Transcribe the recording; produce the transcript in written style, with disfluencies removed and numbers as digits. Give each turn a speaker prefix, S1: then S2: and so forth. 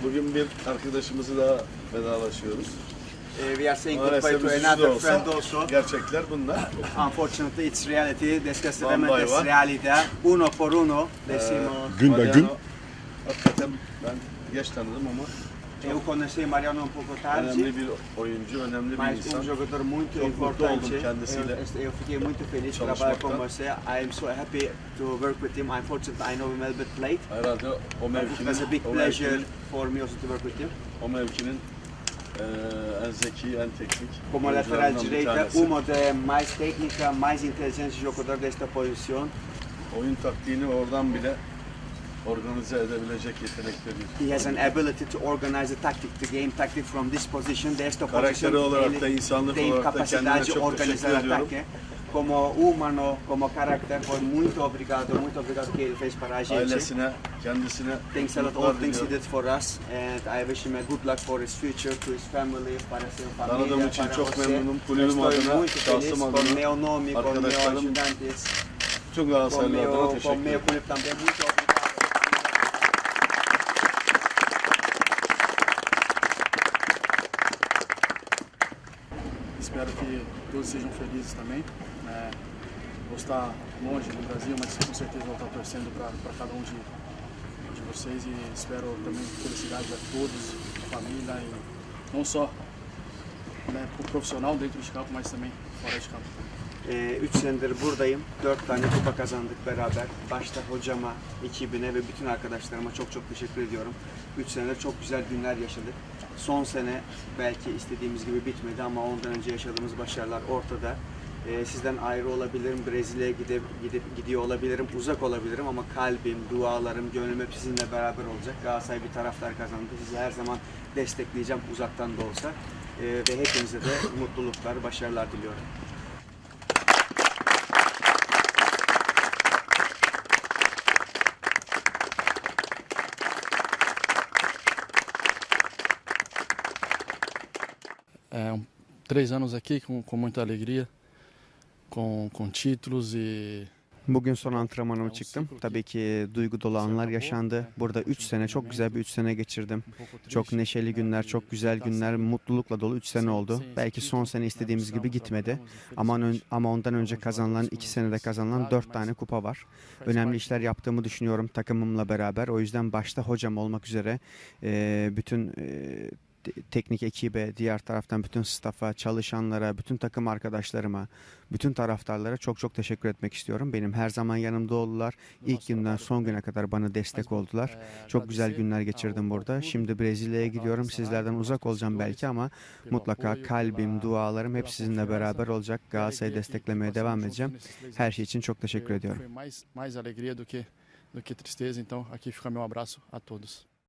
S1: Bugün bir arkadaşımızı daha vedalaşıyoruz.
S2: We are saying
S1: Maalesef
S2: goodbye to
S1: üzücü de
S2: another
S1: olsa
S2: friend also.
S1: gerçekler bunlar.
S2: Unfortunately, it's reality.
S1: One by
S2: Desgraciadamente, es
S1: one.
S2: realidad. Uno por uno, decimos.
S3: Gün be gün.
S1: Mariano, hakikaten ben geç tanıdım ama
S2: Eu conheci Mariano um pouco tarde,
S1: önemli bir oyuncu, önemli bir
S2: mas
S1: insan.
S2: jogador muito
S1: Çok mutlu oldum
S2: importante.
S1: kendisiyle
S2: Eu fiquei muito feliz de trabalhar com você. I am so happy to work with him. Unfortunately, I know him a little bit late.
S1: Herhalde o
S2: But it was a big pleasure for me also to work with him.
S1: mevkinin en zeki, en teknik
S2: Como lateral
S1: oyuncularından bir
S2: direita,
S1: tanesi.
S2: uma das mais técnica, mais inteligente jogador desta posição.
S1: Oyun taktiğini oradan bile organize edebilecek yetenekte bir.
S2: He has an ability to organize the tactic, the game tactic from this position. Desta
S1: Karakteri
S2: posição,
S1: olarak da, insanlık
S2: tem
S1: olarak da kendine
S2: capacidade de
S1: çok
S2: organizar
S1: teşekkür ediyorum.
S2: ataque. Como humano, como carácter, foi muito obrigado que ele fez para a gente.
S1: Ailesine, kendisine
S2: Thanks a lot all
S1: mutluluklar
S2: things he
S1: diliyorum.
S2: did for us, and I wish him a good luck for his future, to his family, para sua
S1: Tanıdığım
S2: família,
S1: için
S2: para
S1: çok
S2: você.
S1: memnunum. Kulübüm
S2: Estou
S1: adına,
S2: muito feliz
S1: şahsım
S2: com
S1: adına,
S2: meu nome, com meus
S1: arkadaşlarım,
S2: ajudantes,
S1: tüm
S2: com
S1: Galatasaraylı adına
S2: meu
S1: teşekkür ederim.
S2: clube também. Muito obrigado.
S4: Espero que todos sejam felizes também. Vou estar longe do Brasil, mas com certeza vou estar torcendo para cada um de vocês e espero também felicidade a todos, a família e não só o profissional dentro de campo, mas também fora de campo.
S2: 3 senedir buradayım. 4 tane kupa kazandık beraber. Başta hocama, ekibine ve bütün arkadaşlarıma çok çok teşekkür ediyorum. 3 senedir çok güzel günler yaşadık. Son sene belki istediğimiz gibi bitmedi ama ondan önce yaşadığımız başarılar ortada. Sizden ayrı olabilirim, Brezilya'ya gidiyor olabilirim, uzak olabilirim ama kalbim, dualarım, gönlüm hep sizinle beraber olacak. Galatasaray bir taraftar kazandı. Sizi her zaman destekleyeceğim uzaktan da olsa. Ve hepinize de mutluluklar, başarılar diliyorum.
S4: É, 3 anos aqui com muita alegria, com títulos e
S2: Bugün son antrenmanıma çıktım. Tabii ki duygu dolu anlar yaşandı. Burada 3 sene, çok güzel bir 3 sene geçirdim. Çok neşeli günler, çok güzel günler, mutlulukla dolu 3 sene oldu. Belki son sene istediğimiz gibi gitmedi. Ama ondan önce kazanılan, 2 senede kazanılan 4 tane kupa var. Önemli işler yaptığımı düşünüyorum takımımla beraber. O yüzden başta hocam olmak üzere bütün teknik ekibe, diğer taraftan bütün staff'a, çalışanlara, bütün takım arkadaşlarıma, bütün taraftarlara çok çok teşekkür etmek istiyorum. Benim her zaman yanımda oldular. İlk günden son güne kadar bana destek oldular. Çok güzel günler geçirdim burada. Şimdi Brezilya'ya gidiyorum. Sizlerden uzak olacağım belki ama mutlaka kalbim, dualarım hep sizinle beraber olacak. Galatasaray'ı desteklemeye devam edeceğim. Her şey için çok teşekkür ediyorum.
S4: Foi mais alegria do que tristeza, então aqui fica meu abraço a todos.